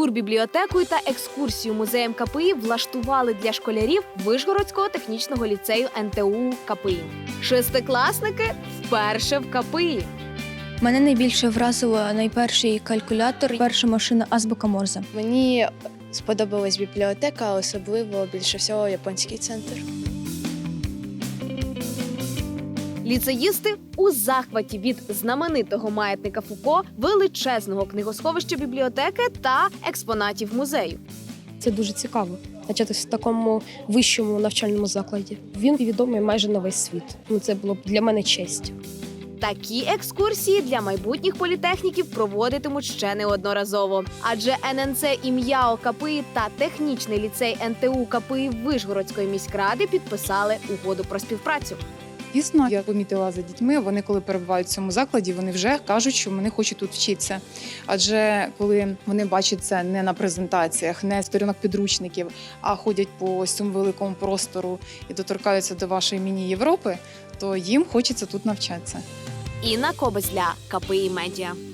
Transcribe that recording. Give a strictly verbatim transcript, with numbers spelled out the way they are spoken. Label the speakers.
Speaker 1: турбібліотекою та екскурсію музеєм КПІ влаштували для школярів Вишгородського технічного ліцею ен те у КПІ. Шестикласники вперше в КПІ.
Speaker 2: Мене найбільше вразило найперший калькулятор, перша машина азбука Морзе.
Speaker 3: Мені сподобалась бібліотека, особливо більше всього японський центр.
Speaker 1: Ліцеїсти у захваті від знаменитого маятника Фуко, величезного книгосховища бібліотеки та експонатів музею.
Speaker 4: Це дуже цікаво навчатися в такому вищому навчальному закладі. Він відомий майже на весь світ. Ну, це було б для мене честь.
Speaker 1: Такі екскурсії для майбутніх політехніків проводитимуть ще неодноразово. Адже ен ен це ім'я КПІ та технічний ліцей ен те у КПІ Вишгородської міськради підписали угоду про співпрацю.
Speaker 5: Дійсно, я помітила за дітьми, вони коли перебувають в цьому закладі, вони вже кажуть, що вони хочуть тут вчитися. Адже коли вони бачать це не на презентаціях, не з сторінок підручників, а ходять по ось цьому великому простору і доторкаються до вашої міні-Європи, то їм хочеться тут навчатися.
Speaker 1: Інна Кобець для КПІ Медіа.